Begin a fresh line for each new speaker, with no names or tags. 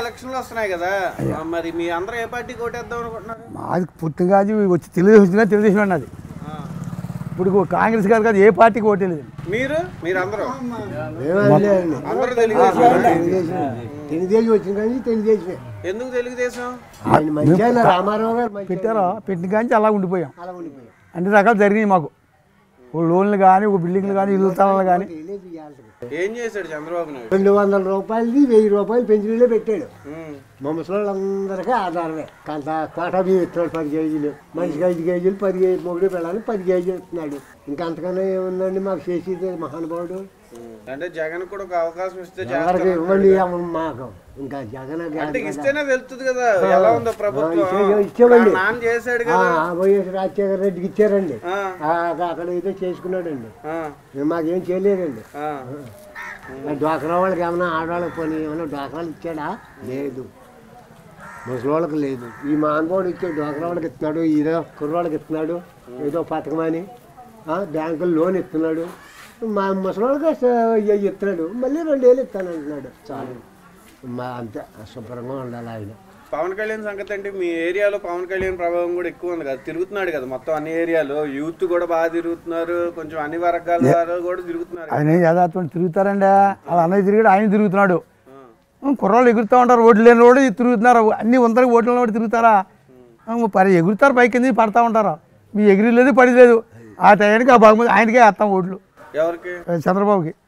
ఎలక్షన్లు వస్తున్నాయి కదా, మరి మీ అందరూ ఏ పార్టీకి ఓటేద్దాం అనుకుంటున్నారు?
మాది పుట్టిగా వచ్చి తెలుగుదేశం అన్నది. ఇప్పుడు కాంగ్రెస్ గారు కాదు, ఏ పార్టీకి ఓటేలేదు.
మీరందరూ
తెలుగుదేశం వచ్చిన కానీ తెలుగుదేశమే.
ఎందుకు తెలుగుదేశం?
రామారావు గారు
పెట్టారో పెట్టిన కానీ అలా ఉండిపోయాం. అన్ని రకాలు జరిగినాయి మాకు. ఓ లోన్లు కానీ, ఒక బిల్డింగ్లు కానీ, ఇల్లు స్థలాలు కానీ.
ఏం చేశాడు చంద్రబాబు నాయుడు?
200 రూపాయలది 1000 రూపాయలు పెన్షన్లే పెట్టాడు. మా ముసలోళ్ళందరికీ ఆధారమే. కొంత కోటా బియ్యం ఇస్తున్నాడు 10 కేజీలు, మనిషికి 5 కేజీలు, 10 కేజీ మొగుడు పిల్లలు 10 కేజీలు ఇస్తున్నాడు. ఇంకా అంతకన్నా ఏముందండి మాకు చేసేది మహానుభావుడు.
అంటే జగన్ కూడా ఒక అవకాశం ఇస్తే
ఇవ్వండి మాకు. ఇంకా జగన్
ఇస్తేనే తెలుస్తుంది కదా ఎలా ఉందో ప్రభుత్వం.
ఇచ్చామండి,
చేశాడు కదా,
వైఎస్ రాజశేఖర రెడ్డికి ఇచ్చారండి. అక్కడ ఏదో చేసుకున్నాడండి, మాకేం చేయలేదండి. డ్వాక్రా వాళ్ళకి ఏమన్నా ఆడవాళ్ళకి పోనీ ఏమన్నా డ్వాక్రాలు ఇచ్చాడా? లేదు, ముసలివాళ్ళకి లేదు. ఈ మహానుభావుడు ఇచ్చే డ్వాక్రా వాళ్ళకి ఇస్తున్నాడు, ఏదో కుర్రవాళ్ళకి ఇస్తున్నాడు, ఏదో పథకమని బ్యాంకులు లోన్ ఇస్తున్నాడు. మా ముసలివాళ్ళకి ఇస్తున్నాడు, మళ్ళీ 2 ఏళ్ళు ఇస్తానంటున్నాడు. చాలు, అంతే శుభ్రంగా ఉండాలి ఆయన.
పవన్ కళ్యాణ్ సంగతి అంటే మీ ఏరియాలో పవన్ కళ్యాణ్ ప్రభావం కూడా ఎక్కువ ఉంది కదా, తిరుగుతున్నాడు కదా మొత్తం అన్ని ఏరియాలో. యూత్ కూడా బాగా తిరుగుతున్నారు, కొంచెం అన్ని వర్గాల వారు కూడా తిరుగుతున్నారు.
ఆయన యథార్థం తిరుగుతారండి, అలా అన్నది తిరిగాడు, ఆయన తిరుగుతున్నాడు. కుర్రాళ్ళు ఎగురుతూ ఉంటారు, ఓట్లు లేని కూడా తిరుగుతున్నారు. అన్ని వందరికి ఓట్లు కూడా తిరుగుతారా? ఎగురుతారు, పైకి కింద పడతా ఉంటారు. మీ ఎగిరి లేదు, పడి లేదు. ఆ టైంకి ఆ బహుమతి ఆయనకే వేస్తాం ఓట్లు.
ఎవరికి?
చంద్రబాబుకి.